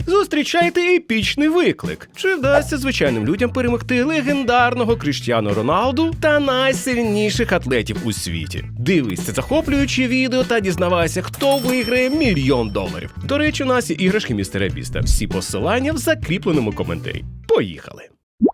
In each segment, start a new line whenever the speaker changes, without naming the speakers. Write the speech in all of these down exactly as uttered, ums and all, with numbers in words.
Зустрічайте епічний виклик. Чи вдасться звичайним людям перемогти легендарного Кріштіану Роналду та найсильніших атлетів у світі? Дивись це захоплююче відео та дізнавайся, хто виграє мільйон доларів. До речі, у нас є іграшки містера Біста. Всі посилання в закріпленому коментарі. Поїхали!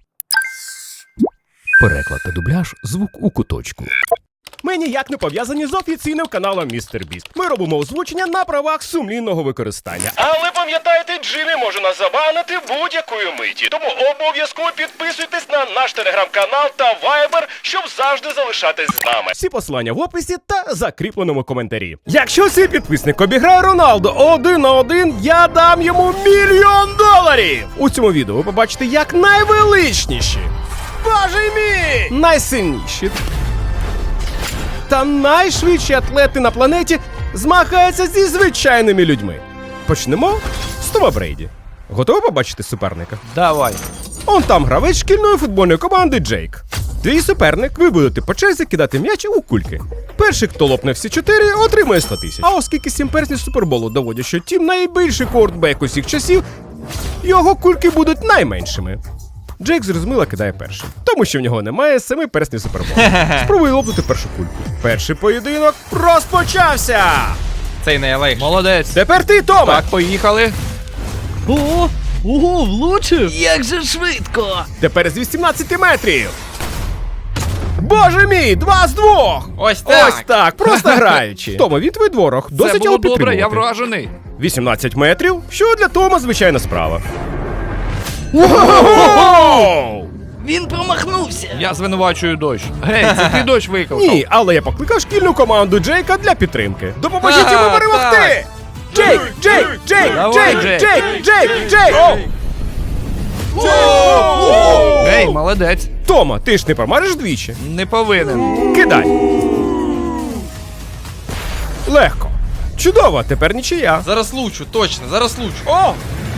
Переклад та дубляж «Звук у куточку».
Ми ніяк не пов'язані з офіційним каналом містер Біст. Ми робимо озвучення на правах сумлінного використання. Але пам'ятайте, Джиммі може нас забанити будь-якої миті. Тому обов'язково підписуйтесь на наш телеграм-канал та вайбер, щоб завжди залишатись з нами. Всі посилання в описі та закріпленому коментарі. Якщо цей підписник обіграє Роналду один на один, я дам йому мільйон доларів! У цьому відео ви побачите, як найвеличніші, боже мій, найсильніші та найшвидші атлети на планеті змагаються зі звичайними людьми. Почнемо з Тома Брейді. Готові побачити суперника?
Давай.
Он там гравець шкільної футбольної команди Джейк. Твій суперник, ви будете по черзі кидати м'яч у кульки. Перший, хто лопне всі чотири, отримує сто тисяч. А оскільки сім перснів Суперболу доводять, що Тім найбільший квотербек усіх часів, його кульки будуть найменшими. Джейк зрозуміло кидає першим, тому що в нього немає семи перснів Суперболу. Спробуй лопнути першу кульку. Перший поєдинок розпочався!
Цей найлегший. Молодець.
Тепер ти, Томе!
Так, поїхали.
О, ого, влучив! Як же швидко!
Тепер з вісімнадцяти метрів! Боже мій, два з двох!
Ось так.
Ось так, просто граючи. Тома, він твій дворог, досить
Це було
його
добре, я
підтримувати.
вражений.
вісімнадцять метрів, що для Тома звичайна справа. Ого!
Він промахнувся!
Я звинувачую дощ. Гей, це ти дощ викликав.
Ні, але я покликав шкільну команду Джейка для підтримки. Допоможіть
А,
йому перемогти!
так.
Джейк, Джейк, Джейк,
Давай,
Джейк,
Джейк.
Джейк, Джейк, Джейк!
Гей, молодець.
Тома, ти ж не промажеш двічі?
Не повинен.
Кидай! Легко. Чудово, тепер нічия.
Зараз лучу, точно, зараз лучу.
О!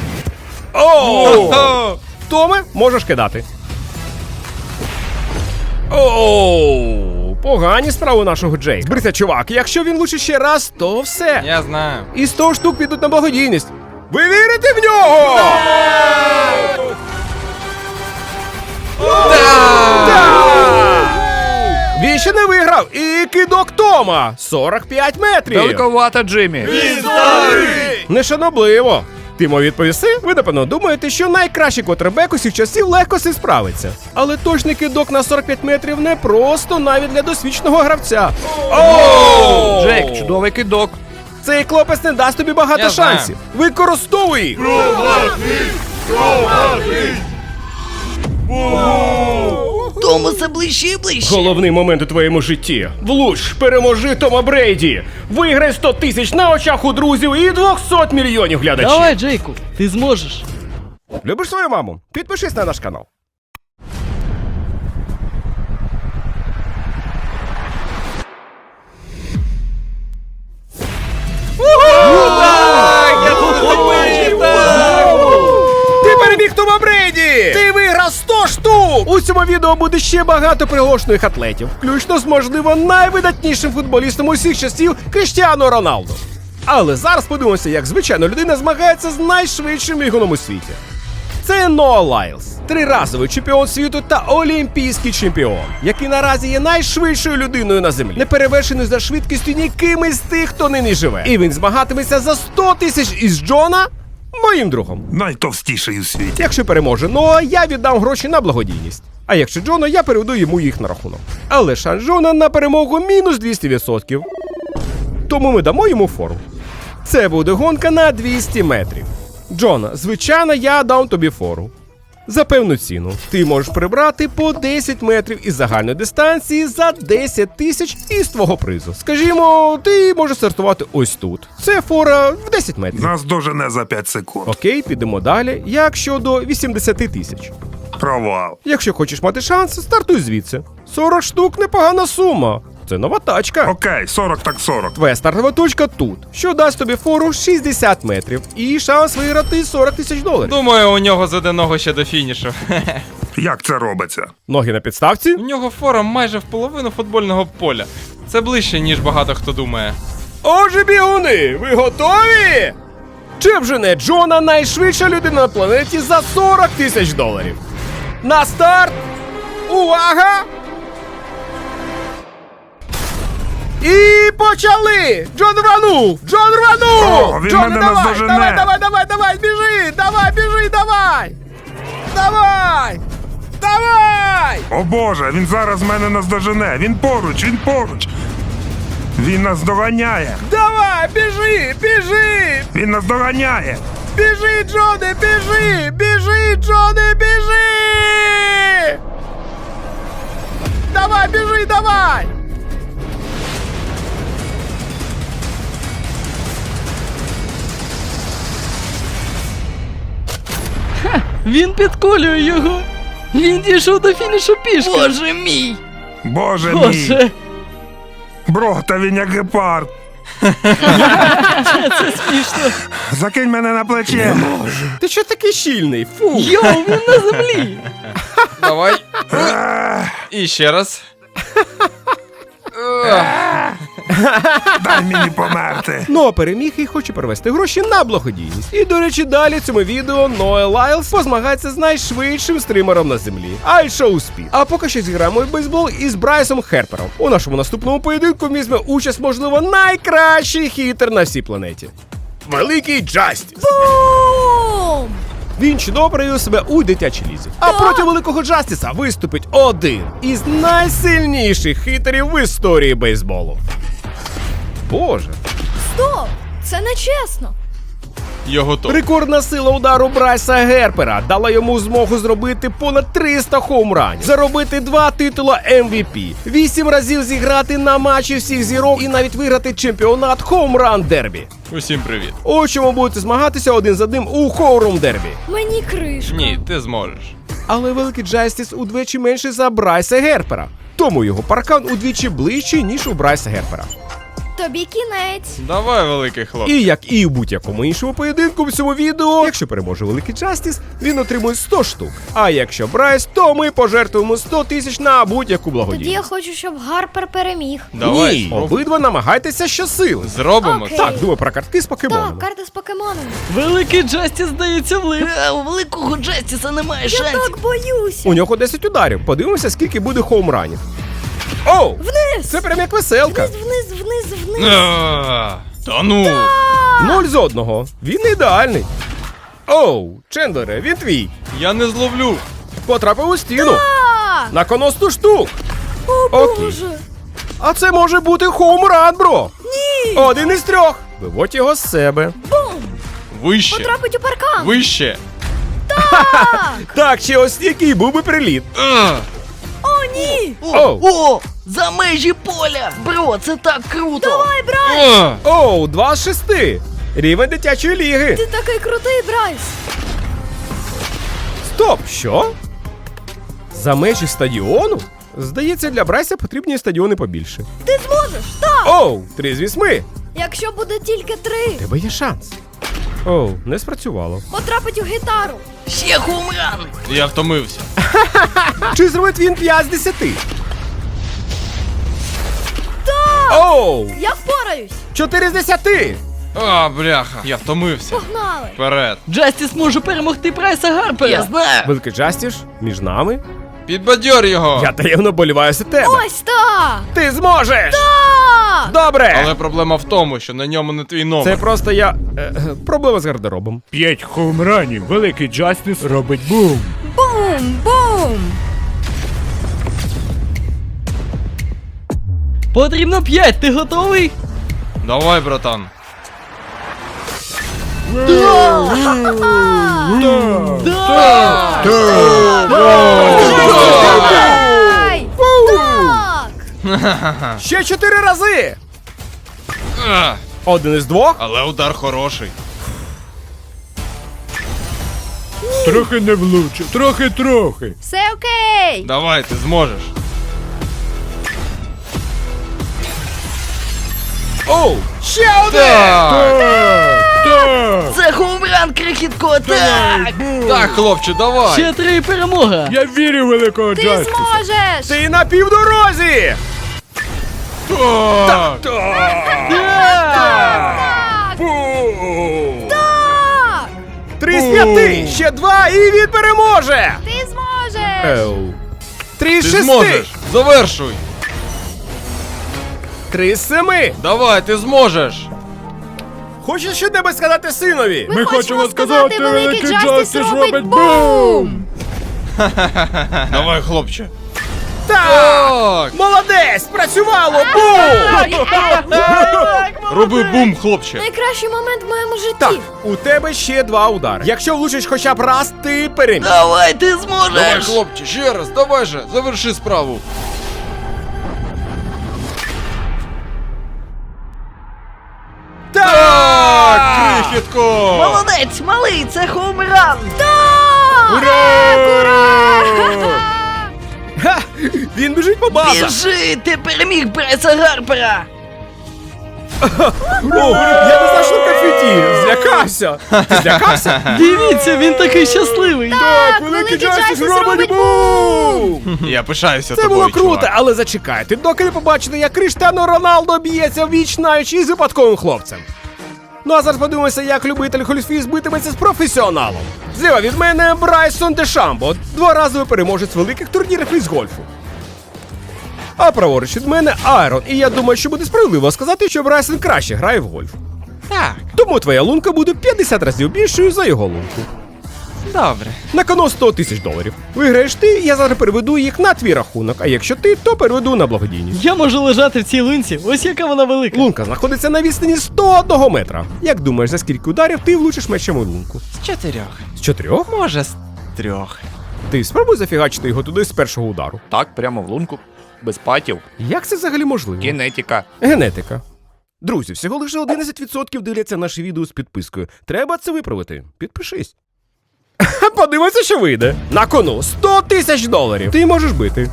О! Томе, можеш кидати. Оу! Погані справи у нашого Джейка. Зберися, чувак, якщо він влучить ще раз, то все.
Я знаю.
І сто штук підуть на благодійність. Ви вірите в нього? Так! Він ще не виграв. І кидок Тома. сорок п'ять метрів.
Далековато, Джиммі.
Нешанобливо. Ти мов відповіси? Ви, напевно, думаєте, що найкращий квотербек усіх часів легко з цим справиться. Але точний кидок на сорок п'ять метрів не просто навіть для досвідченого гравця. Оу!
Джейк, чудовий кидок.
Цей хлопець не дасть тобі багато
Я знаю.
шансів. Використовуй їх!
Тому все ближче і ближче!
Головний момент у твоєму житті. Влуч, переможи Тома Брейді. Виграй сто тисяч на очах у друзів і двісті мільйонів глядачів.
Давай, Джейку, ти зможеш!
Любиш свою маму? Підпишись на наш канал. Ти переміг Тома Брейді! Ти виграв сто штук! У цьому відео буде ще багато приголошених атлетів, включно з, можливо, найвидатнішим футболістом усіх часів Кріштіану Роналду. Але зараз подивимося, як звичайна людина змагається з найшвидшим бігуном у світі. Це Ноа Лайлс, триразовий чемпіон світу та олімпійський чемпіон, який наразі є найшвидшою людиною на землі, неперевершений за швидкістю ніким із тих, хто нині живе. І він змагатиметься за сто тисяч із Джона, моїм другом.
Найтовстіший у світі.
Якщо переможе Ноа, я віддам гроші на благодійність. А якщо Джона, я переведу йому їх на рахунок. Але шанс Джона на перемогу мінус двісті відсотків. Тому ми дамо йому фору. Це буде гонка на двісті метрів. Джона, звичайно, я дам тобі фору. За певну ціну. Ти можеш прибрати по десять метрів із загальної дистанції за десять тисяч із твого призу. Скажімо, ти можеш стартувати ось тут. Це фора в десять метрів.
Нас дожене за п'ять секунд.
Окей, підемо далі. Як щодо вісімдесят тисяч?
Провал.
Якщо хочеш мати шанс, стартуй звідси. сорок штук – непогана сума. Це нова тачка.
Окей, сорок так сорок.
Твоя стартова точка тут, що дасть тобі фору шістдесят метрів і шанс виграти сорок тисяч доларів.
Думаю, у нього заденого ще до фінішу.
Як це робиться?
Ноги на підставці?
У нього фора майже в половину футбольного поля. Це ближче, ніж багато хто думає.
Отже, бігуни, ви готові? Чи вжене Джона найшвидша людина на планеті за сорок тисяч доларів? На старт! Увага! І почали! Джон рванув! Джон рванув!
О, він
Джон,
мене
давай,
наздожене!
давай, давай, давай, давай, біжи! Давай, біжи, давай! Давай! Давай!
О боже, він зараз мене наздожене. Він поруч, він поруч. Він нас доганяє.
Давай, біжи, біжи!
Він нас доганяє.
Біжи, Джоне, біжи! Біжи, Джоне, біжи! Давай, біжи, давай!
Він підколює його. Він дійшов до фінішу пішки. Боже мій.
Боже мій.
Боже.
Бро, та він як гепард.
Це смішно.
Закинь мене на плече.
Ти що такий щільний? Фу!
Йоу, він на землі.
Давай.
Ех,
І ще раз.
Дай мені померти.
Ноа переміг і хоче перевести гроші на благодійність. І, до речі, далі в цьому відео Ноа Лайлс позмагається з найшвидшим стримером на землі – iShow Speed. А поки що зіграємо в бейсбол із Брайсом Герпером. У нашому наступному поєдинку візьме участь, можливо, найкращий хітер на всій планеті. Великий Джастіс.
Бум!
Він чудово проявив себе у дитячій лізі. А проти великого Джастіса виступить один із найсильніших хітерів в історії бейсболу. Боже.
Стоп! Це не чесно.
Його то.
Рекордна сила удару Брайса Герпера дала йому змогу зробити понад триста хоумранів, заробити два титула Ем Ві Пі, вісім разів зіграти на матчі всіх зірок і навіть виграти чемпіонат хоумран дербі.
Усім привіт.
У чому будете змагатися один з одним у хоумран дербі.
Мені кришка.
Ні, ти зможеш.
Але великий Джастіс удвічі менший за Брайса Герпера, тому його паркан удвічі ближчий, ніж у Брайса Герпера.
Тобі кінець.
Давай, великий хлопчик.
І як і у будь-якому іншому поєдинку в цьому відео, якщо переможе великий Джастіс, він отримує сто штук. А якщо Брайс, то ми пожертвуємо сто тисяч на будь-яку
Тоді я
благодійність.
хочу, щоб Гарпер переміг.
Давай,
Ні,
спробуй.
обидва намагайтеся щосили.
Зробимо
Окей.
це.
Так, думаю про картки з покемонами.
Так, карта з покемонами.
Великий Джастіс здається влип.
А у великого Джастіса немає
Я
шансів.
так боюся.
У нього десять ударів. Подивимося, скільки буде хоумранів. Оу!
Вниз!
Це прям як веселка.
Вниз, вниз, вниз, вниз.
А, Та ну.
Нуль з одного. Він не ідеальний. Оу, Чендлере, він твій.
Я не зловлю.
Потрапив у стіну.
А!
На кону сто штук.
О,
Окей.
Боже!
А це може бути хоумран, бро.
Ні!
Один із трьох. Виводь його з себе.
Бум!
Вище.
Потрапить у паркан!
Вище.
Так!
Так, ще ось який був би приліт.
А,
О, ні!
Оу.
О, за межі поля! Бро, це так круто!
Давай, Брайс!
а.
Оу, два з шести. Рівень дитячої ліги.
Ти такий крутий, Брайс!
Стоп, що? За межі стадіону? Здається, для Брайса потрібні стадіони побільше.
Ти зможеш! Так!
Оу, три з вісьми.
Якщо буде тільки три,
У тебе є шанс. Оу, не спрацювало.
потрапить у гітару.
Ще хумран!
Я втомився.
Чи зробить він п'ять з десяти?
Так!
Оу,
Я впораюсь!
чотири з десяти.
А, бляха. Я втомився.
Погнали!
Вперед.
Джастіс може перемогти Брайса Гарпера.
Я знаю!
Великий Джастіс, між нами.
Підбадьор його.
Я таємно боліваю за тебе.
Ось так!
Ти зможеш!
Так!
Добре!
Але проблема в тому, що на ньому не твій номер.
Це просто я. Е, е, проблема з гардеробом.
П'ять хоумранів. Великий Джастіс робить бум.
Бум! Бум!
Потрібно п'ять, ти готовий?
Давай, братан.
Давай! Так!
Ще чотири рази!
А,
Один із двох.
але удар хороший.
Трохи не влучив. Трохи-трохи.
Все окей!
Давай, ти зможеш.
Оу! Ще один!
Так,
Так.
Це хумран, крихітко, так!
так, хлопче, давай.
Ще три і перемога.
Я вірю в великого
Ти
Джастіса.
зможеш!
Ти на півдорозі!
Так.
Так!
Бум!
Так!
Три з п'яти! Ще два і він переможе!
Ти зможеш!
Еу. Три з
Ти
шести!
зможеш! Завершуй!
Три з семи!
Давай, ти зможеш!
Хочеш щось сказати синові?
Ми, хочемо сказати, великий Джастіс робить бум!
бум!
Давай, хлопче!
Так!
Так!
Молодець! Працювало! Бум!
Роби бум, хлопче!
Найкращий момент в моєму житті.
Так, у тебе ще два удари. Якщо влучиш хоча б раз, ти переміг.
Давай, ти зможеш!
Давай, хлопче, ще раз, давай же, заверши справу! Так, крихітко!
Молодець, малий, це хоумран!
Ха! Він біжить по базах!
Біжи, ти переміг Брайса Гарпера!
О, я не знав, що конфеті! Злякався! Ти злякався?
Дивіться, він такий щасливий.
Так,
великий Джастіс робить
бум!
Я пишаюся
Це
тобою,
було круто,
чувак.
але зачекайте, доки не побачите, як Криштиану Роналдо б'ється віч навіч із випадковим хлопцем. Ну а зараз подивимося, як любитель гольфів битиметься з професіоналом. Зліва від мене Брайсон Дешамбо, дворазовий переможець великих турнірів із гольфу. А праворуч від мене Айрон, і я думаю, що буде справедливо сказати, що Брайсон краще грає в гольф.
Так,
Тому твоя лунка буде п'ятдесят разів більшою за його лунку.
добре.
На кону сто тисяч доларів. Виграєш ти, я зараз переведу їх на твій рахунок, а якщо ти, то переведу на благодійність.
Я можу лежати в цій лунці, ось яка вона велика.
Лунка знаходиться на відстані сто одного метра. Як думаєш, за скільки ударів ти влучиш мечем у лунку?
З чотирьох.
З чотирьох?
Може, з трьох.
Ти спробуй зафігачити його туди з першого удару.
Так, прямо в лунку. Без патів.
Як це взагалі можливо?
Кінетика.
Генетика. Друзі, всього лише одинадцять відсотків дивляться наші відео з підпискою. Треба це виправити. Підпишись. Подивися, що вийде. На кону сто тисяч доларів. Ти можеш бити.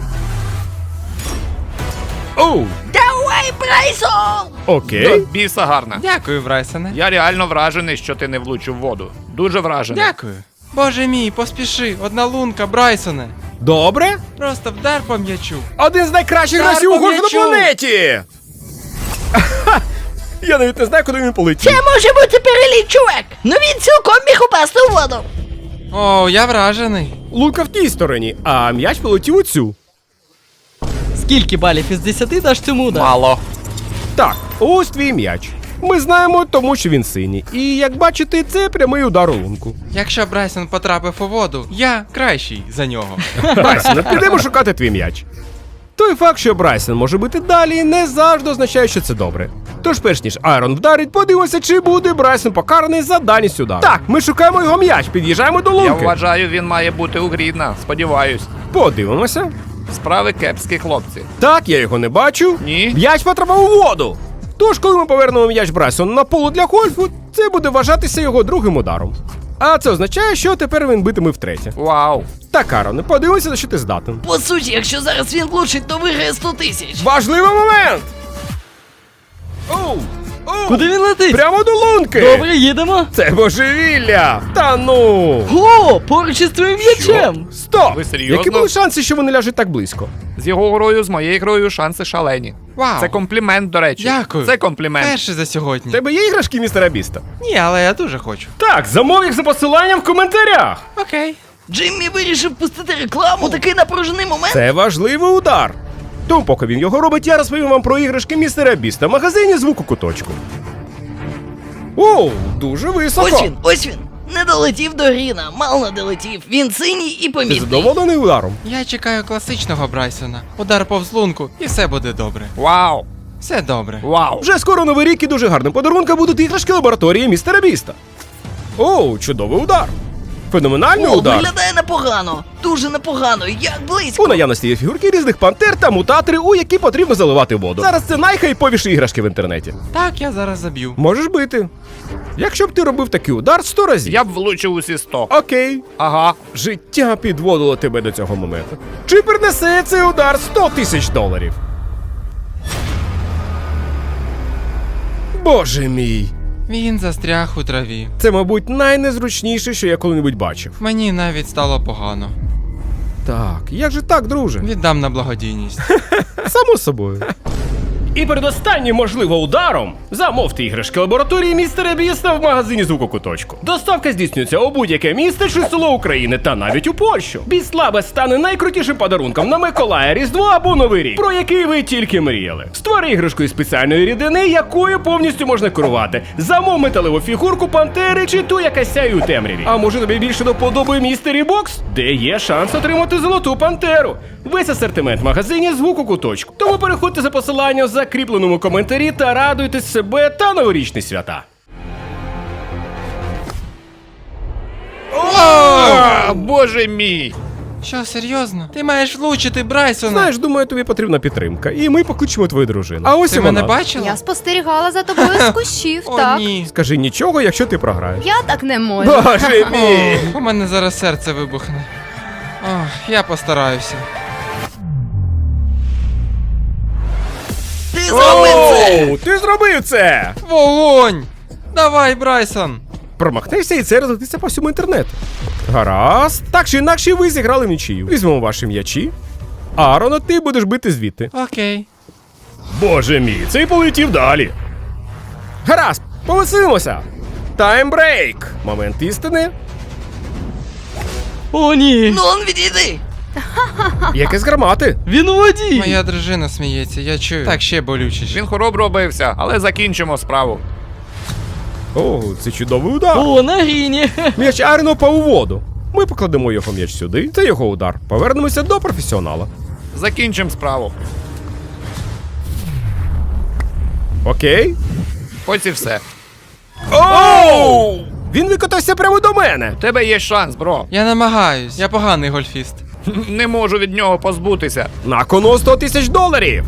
Оу,
Давай, Брайсон!
окей.
До біса гарна.
Дякую, Брайсоне.
Я реально вражений, що ти не влучив в воду. Дуже вражений.
Дякую. Боже мій, поспіши, одна лунка, Брайсоне.
Добре.
Просто вдар по м'ячу.
Один з найкращих
Удар
гравців у
по
гольфу на
м'ячу.
планеті! Я навіть не знаю, куди він полетів.
Це може бути переліт, чувак! Ну він цілком міг упасти у воду!
О, я вражений.
Лунка в тій стороні, а м'яч полетів у цю.
Скільки балів із десяти даш цьому удару?
Мало.
Так, ось твій м'яч. Ми знаємо, тому що він синій. І як бачите, це прямий удар у лунку.
Якщо Брайсон потрапив у воду, я кращий за нього.
Брайсон, підемо шукати твій м'яч. Той факт, що Брайсон може бити далі, не завжди означає, що це добре. Тож перш ніж Айрон вдарить, подивимося, чи буде Брайсон покараний за дальність удару. Так, ми шукаємо його м'яч, під'їжджаємо до
Я
лунки.
вважаю, він має бути у Грідна. Сподіваюсь.
Подивимося.
Справи кепські, хлопці.
Так, я його не бачу.
Ні.
М'яч потрапив у воду. Тож, коли ми повернемо м'яч Брайсону на поле для гольфу, це буде вважатися його другим ударом. А це означає, що тепер він битиме втретє.
Вау.
Так, Ароне, подивимося, на що ти здатен.
По суті, якщо зараз він влучить, то виграє сто тисяч!
Важливий момент! Оу! Оу!
Куди він летить?
Прямо до лунки!
Добре, їдемо.
Це божевілля! Та ну!
О, поруч із твоїм м'ячем.
Стоп!
Ви серйозно?
Які були шанси, що вони ляжуть так близько?
З його грою, з моєю грою шанси шалені.
Вау.
Це комплімент, до речі.
Дякую.
Це комплімент.
Перший за сьогодні.
У тебе є іграшки містера Біста?
Ні, але я дуже хочу.
Так, замов їх за посиланням в коментарях!
Окей.
Джиммі вирішив пустити рекламу, такий напружений момент.
Це важливий удар. Тому поки він його робить, я розповім вам про іграшки містера Біста в магазині звуку куточку. Оу, дуже високо.
Ось він, ось він. Не долетів до Гріна, мало не долетів. Він синій і
Ти
помітний.
задоволений ударом?
Я чекаю класичного Брайсона. Удар повз лунку, і все буде добре.
Вау.
Все добре.
Вау.
Вже скоро новий рік і дуже гарним подарунком будуть іграшки лабораторії містера Біста. Оу, чудовий удар. Феноменальний
О,
удар.
виглядає непогано. Дуже непогано, як близько.
У наявності є фігурки різних пантер та мутатори, у які потрібно заливати воду. Зараз це найхайповіші іграшки в інтернеті.
Так, я зараз заб'ю.
Можеш бити. Якщо б ти робив такий удар сто разів.
Я б влучив усі сто.
Окей.
Ага.
Життя підводило тебе до цього моменту. Чи принесе цей удар сто тисяч доларів? Боже мій.
Він застряг у траві.
Це, мабуть, найнезручніше, що я коли-небудь бачив.
Мені навіть стало погано.
Так, як же так, друже?
Віддам на благодійність.
Само собою. І перед останнім, можливо, ударом замовте іграшки лабораторії містера Біста в магазині Звукокуточку. Доставка здійснюється у будь-яке місто чи село України та навіть у Польщу. Біст Лаба стане найкрутішим подарунком на Миколая, Різдво або Новий рік, про який ви тільки мріяли. Створи іграшку із спеціальної рідини, якою повністю можна керувати. Замов металеву фігурку пантери чи ту, яка сяє у темряві. А може тобі більше до вподоби містері Бокс, де є шанс отримати золоту пантеру. Весь асортимент в магазині Звукокуточку. Тому переходьте за посиланням в закріпленому коментарі та радуйте себе та новорічні свята.
А, боже мій!
Що, серйозно? Ти маєш влучити Брайсона.
Знаєш, думаю, тобі потрібна підтримка, і ми покличемо твою дружину. А ось
Ти
і вона.
мене бачила?
Я спостерігала за тобою з кущів,
О,
так.
ні.
Скажи нічого, якщо ти програєш.
Я так не можу.
Боже мій!
О, у мене зараз серце вибухне. Ох, я постараюся.
Ти зробив це!
Оу, ти зробив це!
Вогонь! Давай, Брайсон!
Промахнешся і це розлетиться по всьому інтернету. Гаразд. Так чи інакше ви зіграли в нічию. Візьмемо ваші м'ячі. Аарона, ти будеш бити звідти.
Окей.
Боже мій, цей полетів далі. Гаразд, повеселимося. Таймбрейк. Момент істини.
О, ні!
Ну он відійди!
Якесь гармати.
Він у воді!
Моя дружина сміється, я чую. Так, ще болючіше.
Він хоробро бився, але закінчимо справу.
О, це чудовий удар.
О, на гріні!
М'яч Аарона впав у воду. Ми покладемо його м'яч сюди. Це його удар. Повернемося до професіонала.
Закінчимо справу.
Окей.
Ось і все.
Оу! Він викотався прямо до мене.
У тебе є шанс, бро.
Я намагаюсь, я поганий гольфіст.
Не можу від нього позбутися.
На кону сто тисяч доларів.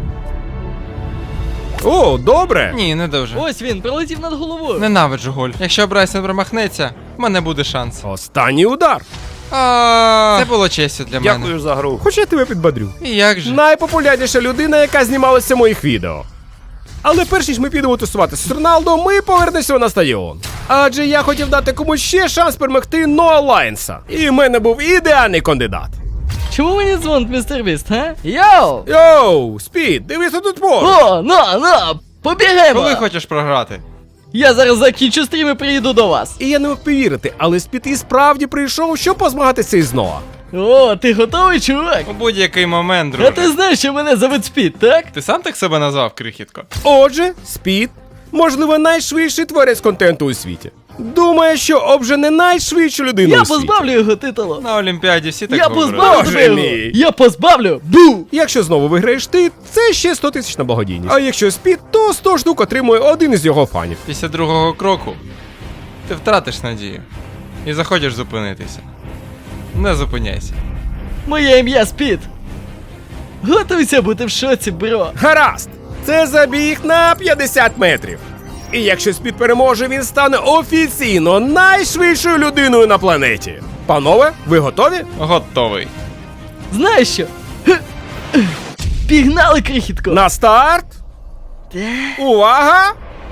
О, добре.
Ні, не дуже.
Ось він, пролетів над головою.
Ненавиджу гольф. Якщо Брайсон промахнеться, в мене буде шанс.
Останній удар.
А, це було честю для мене.
Дякую за гру.
Хоч я тебе підбадрю.
І як же?
Найпопулярніша людина, яка знімалася в моїх відео. Але перш ніж ми підемо тусуватися з Роналдо, ми повернемося на стадіон. Адже я хотів дати комусь ще шанс перемогти Ноа Лайнса. І в мене був ідеальний кандидат.
Чому мені дзвонить містер Біст, га? Йоу!
Йоу, Спід, дивися тут поруч.
О, на, на, побігаємо!
Коли хочеш програти?
Я зараз закінчу стрім і приїду до вас.
І я не мог повірити, але Спід і справді прийшов, щоб позмагатися із Ноа.
О, ти готовий, чувак?
У будь-який момент,
А
друже.
ти знаєш, що мене зовуть Спід, так?
Ти сам так себе назвав, крихітко?
Отже, Спід, можливо, найшвидший творець контенту у світі. Думає, що обжене найшвидшу людину
Я
у світі.
позбавлю його титулу.
На Олімпіаді всі так
Я
говорили.
позбавлю
Боже
тебе його.
мій.
Я позбавлю. Бу!
Якщо знову виграєш ти, це ще сто тисяч на благодійність. А якщо Спід, то сто штук отримує один із його фанів.
Після другого кроку ти втратиш надію. І захочеш зупинитися. Не зупиняйся.
Моє ім'я Спід. Готуйся бути в шоці, бро.
Гаразд! Це забіг на п'ятдесят метрів. І якщо Спід переможе, він стане офіційно найшвидшою людиною на планеті. Панове, ви готові?
Готовий.
Знаєш що? Пігнали, крихітко.
На старт! Увага!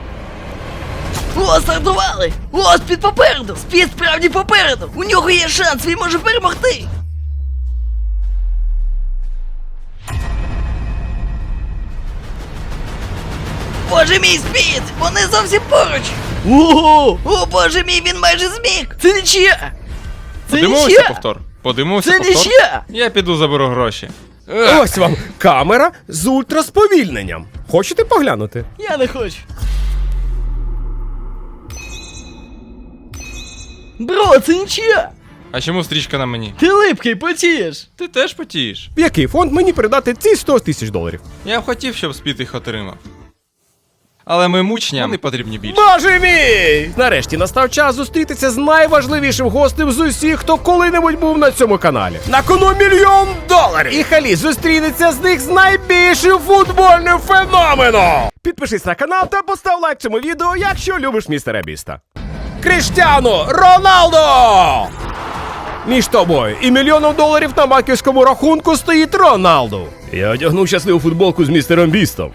О, стартували! О, Спід попереду! Спід справді попереду! У нього є шанс, він може перемогти! Боже мій, Спід! Вони зовсім поруч!
Ого!
О, боже мій, він майже зміг!
Це нічия! Це
Подивимося
нічия!
повтор. Подивимося
Це
повтор.
нічия!
Я піду заберу гроші.
Ось вам камера з ультрасповільненням. Хочете поглянути?
Я не хочу. Бро, це нічия!
А чому стрічка на мені?
Ти липкий, потієш!
Ти теж потієш.
В який фонд мені передати ці сто тисяч доларів?
Я б хотів, щоб Спід їх отримав. Але ми мучням не потрібні більше.
Боже мій! Нарешті настав час зустрітися з найважливішим гостем з усіх, хто коли-небудь був на цьому каналі. На кону мільйон доларів! І Халі зустрінеться з них з найбільшим футбольним феноменом! Підпишись на канал та постав лайк цьому відео, якщо любиш містера Біста. Кріштіану Роналдо! Між тобою і мільйоном доларів на банківському рахунку стоїть Роналду. Я одягнув щасливу футболку з містером Бістом.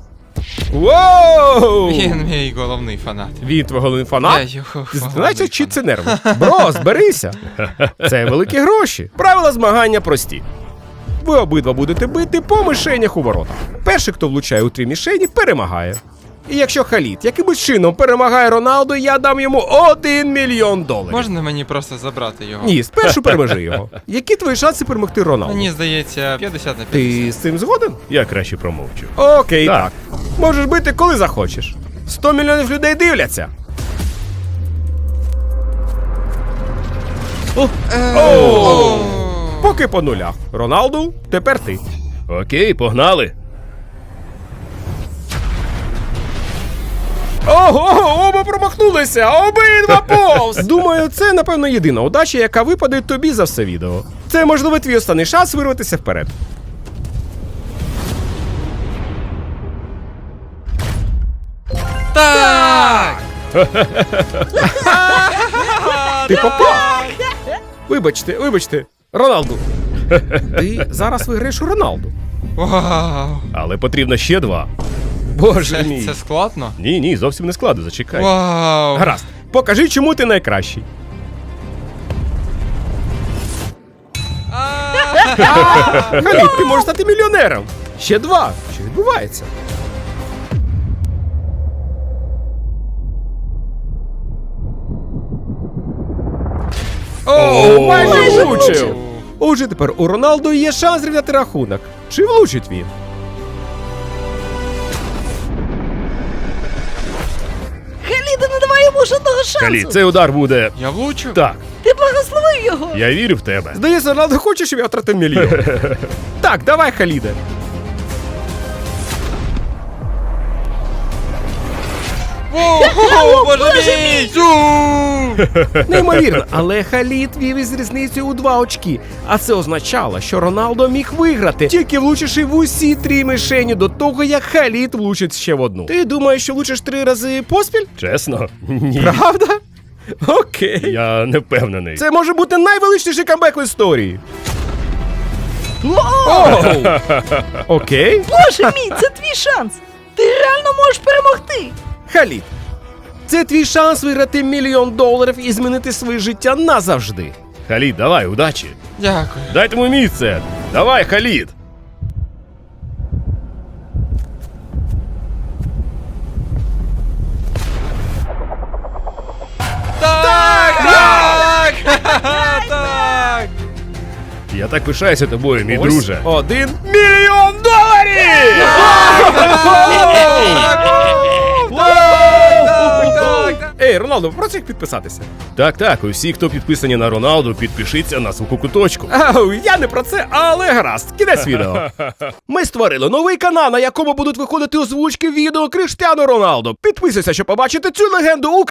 Воу!
Він мій головний фанат.
Він твій головний
Я
фанат?
його головний
Знаєте, чи
фанат.
це нерви? Бро, зберися. Це великі гроші. Правила змагання прості. Ви обидва будете бити по мишенях у воротах. Перший, хто влучає у три мішені, перемагає. І якщо Халід якимось чином перемагає Роналду, я дам йому один мільйон доларів.
Можна мені просто забрати його?
Ні, спершу переможи його. Які твої шанси перемогти Роналду?
Мені здається, п'ятдесят на п'ятдесят.
Ти з цим згоден?
Я краще промовчу.
Окей, так.
Так.
Можеш бити, коли захочеш. Сто мільйонів людей дивляться. О! Поки по нулях. Роналду, тепер ти.
Окей, погнали.
Ого, оба промахнулися! Обидва повз! Думаю, це, напевно, єдина удача, яка випаде тобі за все відео. Це, можливо, твій останній шанс вирватися вперед.
Так!
Ти попав! Вибачте, вибачте, Роналду. Ти зараз виграєш у Роналду.
Вау!
Але потрібно ще два.
Боже
Це,
мій.
це складно?
Ні, ні, зовсім не складно, зачекай.
Вау!
Гаразд, покажи, чому ти найкращий. Халід, ти можеш стати мільйонером. Ще два. Що відбувається? О, майже влучив. Отже, тепер у Роналду є шанс зрівняти рахунок. Чи влучить він?
Халіда, не давай йому жодного шансу.
Халід, цей удар буде.
Я влучив?
Так,
Ти благословив його.
я вірю в тебе.
Здається, Роналду хоче, щоб я втратив мільйон. Так, давай, Халіде.
Воу, боже мій! Зу!
Неймовірно, але Халід вів із різницею у два очки. А це означало, що Роналдо міг виграти, тільки влучивши в усі три мишені до того, як Халід влучить ще в одну. Ти думаєш, що влучиш три рази поспіль?
Чесно? Ні.
Правда? Окей.
Я не впевнений.
Це може бути найвеличніший камбек в історії. Оу! Окей.
Боже мій, це твій шанс. Ти реально можеш перемогти.
Халід, це твій шанс виграти мільйон доларів і змінити своє життя назавжди.
Халід, давай, удачі.
Дякую.
Дайте йому місце. Давай, Халід.
Так! Так! Ха-ха-ха, так!
Я так пишаюся тобою, мій
Ось
друже.
один мільйон доларів! Ей, Роналдо, попроси їх підписатися.
Так, так, усі, хто підписані на Роналду, підпишіться на звуку куточку.
Ау, я не про це, але гаразд, кінець відео. Ми створили новий канал, на якому будуть виходити озвучки відео Криштіану Роналдо. Підписуйся, щоб побачити цю легенду у